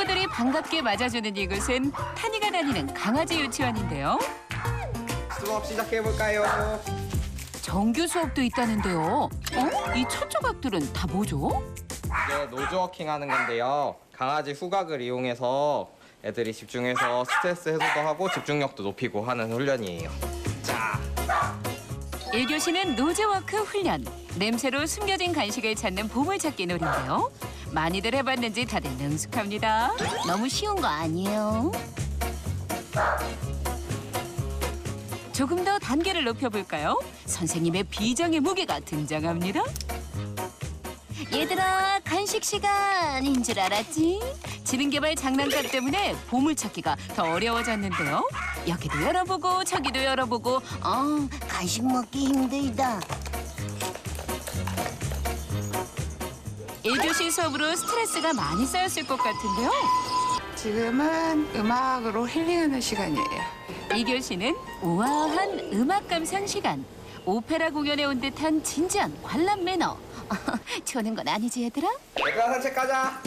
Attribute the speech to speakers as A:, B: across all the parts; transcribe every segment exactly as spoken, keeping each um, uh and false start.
A: 친구들이 반갑게 맞아주는 이곳은 타니가 다니는 강아지 유치원인데요.
B: 수업 시작해볼까요?
A: 정규 수업도 있다는데요. 어? 이 첫 조각들은 다 뭐죠?
B: 이게 노즈워킹 하는 건데요. 강아지 후각을 이용해서 애들이 집중해서 스트레스 해소도 하고 집중력도 높이고 하는 훈련이에요. 자,
A: 일 교시는 노즈워크 훈련. 냄새로 숨겨진 간식을 찾는 보물찾기 놀인데요. 많이들 해봤는지 다들 능숙합니다. 너무 쉬운 거 아니에요? 조금 더 단계를 높여볼까요? 선생님의 비장의 무게가 등장합니다. 얘들아, 간식 시간인 줄 알았지? 지능개발 장난감 때문에 보물찾기가 더 어려워졌는데요. 여기도 열어보고 저기도 열어보고
C: 어, 간식 먹기 힘들다.
A: 일 교시 수업으로 스트레스가 많이 쌓였을 것 같은데요.
D: 지금은 음악으로 힐링하는 시간이에요.
A: 이 교시는 우아한 음악 감상 시간. 오페라 공연에 온 듯한 진지한 관람 매너. 좋은 건 아니지 얘들아?
B: 얘들아 산책 가자.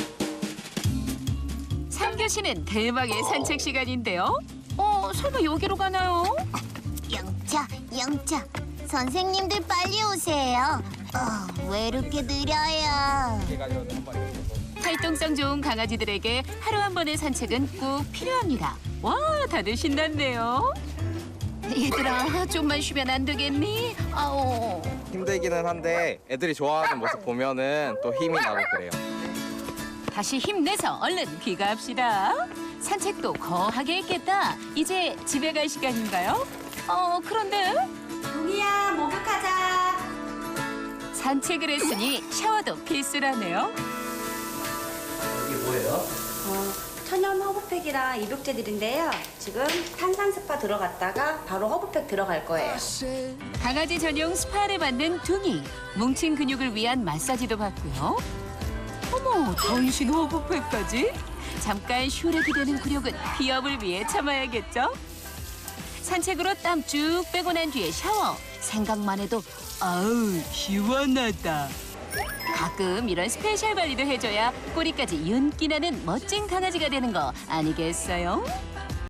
A: 삼 교시는 대박의 산책 시간인데요. 어, 설마 여기로 가나요?
C: 영차, 영차. 선생님들 빨리 오세요. 어, 왜 이렇게 느려요?
A: 활동성 좋은 강아지들에게 하루 한 번의 산책은 꼭 필요합니다. 와, 다들 신났네요. 얘들아, 좀만 쉬면 안 되겠니? 아오.
B: 힘들기는 한데 애들이 좋아하는 모습 보면은 또 힘이 나고 그래요.
A: 다시 힘내서 얼른 귀가합시다. 산책도 거하게 했겠다. 이제 집에 갈 시간인가요? 어, 그런데
E: 동이야, 목욕하자.
A: 산책을 했으니 샤워도 필수라네요.
B: 이게 뭐예요?
E: 어, 천연 허브팩이랑 입욕제들인데요. 지금 탄산 스파 들어갔다가 바로 허브팩 들어갈 거예요.
A: 강아지 전용 스파를 받는 둥이. 뭉친 근육을 위한 마사지도 받고요. 어머, 전신 호흡팩까지? 잠깐 휴렉이 되는 굴욕은 비염을 위해 참아야겠죠? 산책으로 땀 쭉 빼고 난 뒤에 샤워. 생각만 해도 아우 시원하다. 가끔 이런 스페셜 관리도 해줘야 꼬리까지 윤기 나는 멋진 강아지가 되는 거 아니겠어요?